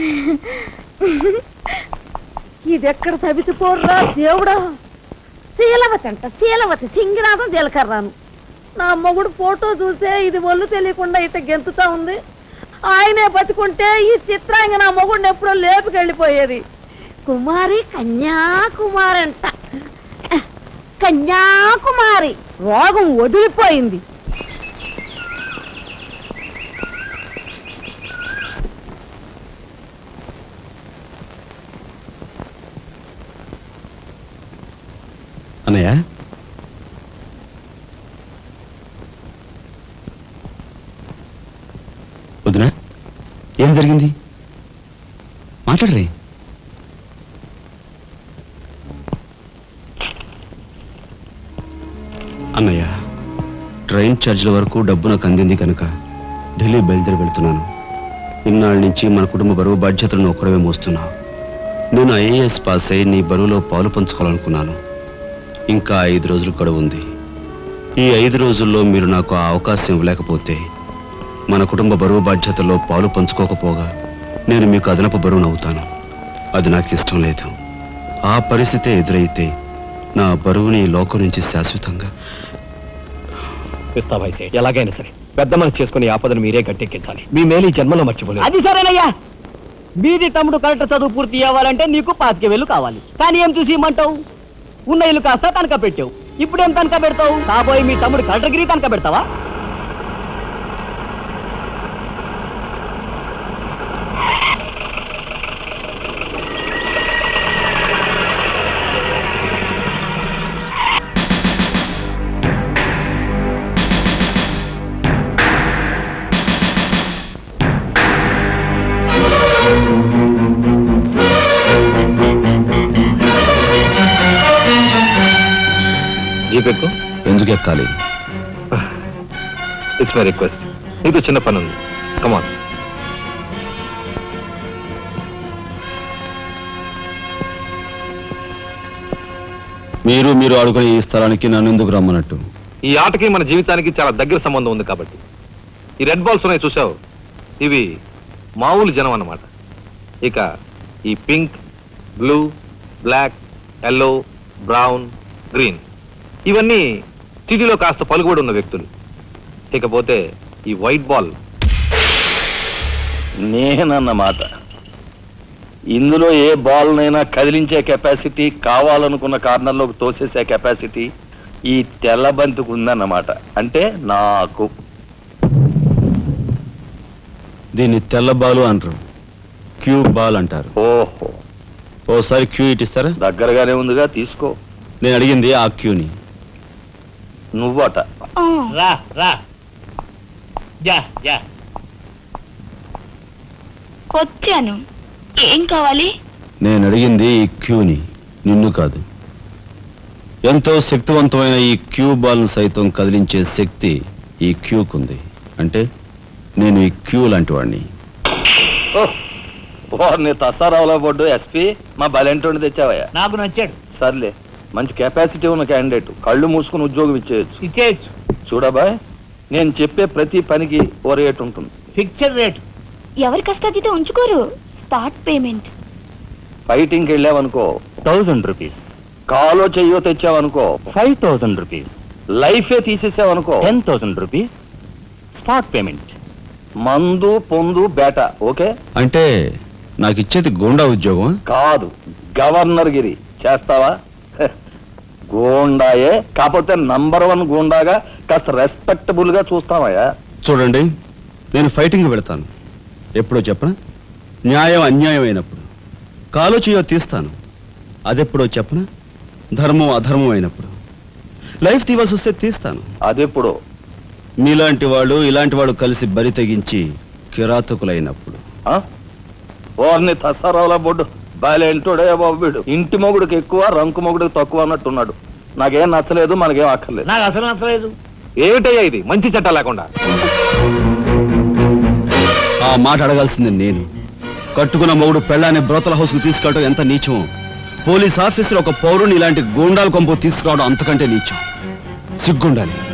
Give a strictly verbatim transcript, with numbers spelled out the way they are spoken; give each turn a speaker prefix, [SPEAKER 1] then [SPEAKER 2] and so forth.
[SPEAKER 1] ఇదెక్కడ సబితి పోర్రా దేవుడా. శీలవతి అంట, శీలవతి సింగినాథం జీలకర్రాను. నా మొగుడు ఫోటో చూసే ఇది ఒళ్ళు తెలియకుండా ఇట గెంతుతా ఉంది. ఆయనే బతుకుంటే ఈ చిత్రాంగ నా మొగుడిని ఎప్పుడో లేపుకెళ్ళిపోయేది. కుమారి కన్యాకుమారి అంట, కన్యాకుమారి. రోగం వదిలిపోయింది.
[SPEAKER 2] అన్నయ్య, వదినా, ఏం జరిగింది? మాట్లాడరే. అన్నయ్య, ట్రైన్ ఛార్జీల వరకు డబ్బు నాకు అందింది కనుక ఢిల్లీ బయలుదేరి వెళ్తున్నాను. ఇన్నాళ్ళ నుంచి మన కుటుంబ బరువు బాధ్యతలను ఒక్కడమే మోస్తున్నావు. నేను ఐఏఎస్ పాస్ అయి నీ బరువులో పాలు పంచుకోవాలనుకున్నాను. ఇంకా ఐదు రోజులు గడువు ఉంది. ఈ ఐదు రోజుల్లో మీరు నాకు ఆ అవకాశం ఇవ్వలేకపోతే మన కుటుంబ బరువు బాధ్యతల్లో పాలు పంచుకోకపోగా నేను మీకు అదనపు బరువును అవుతాను. అది నాకు ఇష్టం లేదు. ఆ పరిస్థితే ఎదురైతే నా బరువుని ఈ లోకం నుంచి శాశ్వతంగా
[SPEAKER 3] ఇస్తా భాయ్. ఎలాగైనా సరే పెద్ద మనసు చేసుకుని ఆపదను మీరే గట్టెక్కించాలి. మీ మేలు ఈ జన్మలో మర్చిపోలేదు.
[SPEAKER 4] అది సరేనయ్యా. మీది తమ్ముడు కరెక్ట్ చదువు పూర్తి అవ్వాలంటే నీకు పాతిక వేలు కావాలి. కానీ ఏం చూసి ఇమ్మంటావు? ఉన్న ఇల్లు కాస్త తనక పెట్టావు. ఇప్పుడేం తనక పెడతావు? కాబోయే మీ తమ్ముడు కలెక్టర్గిరి తనక పెడతావా?
[SPEAKER 3] జీపెక్కు.
[SPEAKER 2] ఎందుకు ఎక్కాలి?
[SPEAKER 3] It's my request. నీతో చిన్న పని ఉంది. కమాన్.
[SPEAKER 2] మీరు మీరు ఆడుకునే ఈ స్థలానికి నన్ను ఎందుకు రమ్మన్నట్టు?
[SPEAKER 3] ఈ ఆటకి మన జీవితానికి చాలా దగ్గర సంబంధం ఉంది కాబట్టి. ఈ రెడ్ బాల్స్ ఉన్నాయి చూసావు, ఇవి మామూలు జనం అన్నమాట. ఇక ఈ pink, blue, black, yellow, brown, green ఇవన్నీ సిటీలో కాస్త పలుకుబడి ఉన్న వ్యక్తులు. ఇకపోతే ఈ వైట్ బాల్
[SPEAKER 5] నేనన్నమాట. ఇందులో ఏ బాల్నైనా కదిలించే కెపాసిటీ, కావాలనుకున్న కార్నర్లోకి తోసేసే కెపాసిటీ ఈ తెల్ల బంతికి ఉందన్నమాట. అంటే నాకు.
[SPEAKER 2] దీన్ని తెల్ల బాలు అంటారు, క్యూ బాల్ అంటారు.
[SPEAKER 5] ఓహో,
[SPEAKER 2] ఓసారి క్యూ ఇటిస్తారా?
[SPEAKER 5] దగ్గరగానే ఉందిగా, తీసుకో.
[SPEAKER 2] నేను అడిగింది ఆ క్యూని.
[SPEAKER 5] నువ్వట.
[SPEAKER 4] రా రా. Yeah yeah.
[SPEAKER 6] వచ్చాను. ఏం కావాలి?
[SPEAKER 2] నేను అడిగింది ఈ క్యూని, నిన్ను కాదు. ఎంతో శక్తివంతమైన ఈ క్యూ బాల్ను సైతం కదిలించే శక్తి ఈ క్యూకుంది. అంటే నేను ఈ క్యూ లాంటి వాడిని.
[SPEAKER 5] నీ తసారావులో పడ్డు ఎస్పీ మా బలెంటోని తెచ్చావయ్యా.
[SPEAKER 4] నాకు నచ్చాడు.
[SPEAKER 5] సర్లే, మంచి కెపాసిటీ ఉన్న క్యాండిడేట్. కళ్ళు మూసుకుని ఉద్యోగం ఇచ్చేయచ్చు.
[SPEAKER 4] ఇచ్చేయచ్చు.
[SPEAKER 5] చూడబాయ్, నేను చెప్పే ప్రతి పనికి ఓ రేట్ ఉంటుంది.
[SPEAKER 4] Fixed rate.
[SPEAKER 6] ఎవరి కష్టాతీత ఉంచుకోరు. Spot payment.
[SPEAKER 5] ఫైటింగ్కి వెళ్ళావనుకో
[SPEAKER 3] థౌజండ్ రూపీస్.
[SPEAKER 5] కాలో చెయ్యో తెచ్చావనుకో
[SPEAKER 3] ఫైవ్ థౌజండ్ రూపీస్.
[SPEAKER 5] లైఫే తీసేసావనుకో
[SPEAKER 3] ten thousand rupees spot payment.
[SPEAKER 5] మందు పొందు బేట. ఓకే?
[SPEAKER 2] అంటే నాకు ఇచ్చేది గూండా ఉద్యోగం
[SPEAKER 5] కాదు, గవర్నర్ గిరి. చేస్తావా? గూండాయే, కాకపోతే నంబర్ వన్ గూండాగా కాస్త రెస్పెక్టబుల్ గా చూస్తావయ్యా.
[SPEAKER 2] చూడండి, నేను ఫైటింగ్ పెడతాను. ఎప్పుడో చెప్పనా? న్యాయం అన్యాయం అయినప్పుడు. కాలో చేయో తీస్తాను. అదెప్పుడో చెప్పనా? ధర్మం అధర్మం అయినప్పుడు. లైఫ్ తీవాల్సి వస్తే తీస్తాను.
[SPEAKER 5] అదెప్పుడు?
[SPEAKER 2] మీలాంటి వాళ్ళు ఇలాంటి వాళ్ళు కలిసి బరి తెగించి కిరాతకులైనప్పుడు.
[SPEAKER 5] వారిని తసారావుల బొడ్డు బాలేంటోడే బాబు. వీడు ఇంటి మొగుడికి ఎక్కువ, రంకు మొగుడికి తక్కువ అన్నట్టున్నాడు. నాకేం నచ్చలేదు, మనకేం అక్కర్లేదు.
[SPEAKER 4] నాకు అసలు నచ్చలేదు.
[SPEAKER 3] ఏమిటయ్యా ఇది మంచి చట్టం లేకుండా?
[SPEAKER 2] ఆ మాట అడగాల్సింది నేను. కట్టుకున్న మొగుడు పెళ్ళాన్ని బ్రోతల హౌస్ కు తీసుకెళ్ళడం ఎంత నీచమో, పోలీస్ ఆఫీసర్ ఒక పౌరుని ఇలాంటి గూండాల కొంపు తీసుకురావడం అంతకంటే నీచం. సిగ్గుండాలి.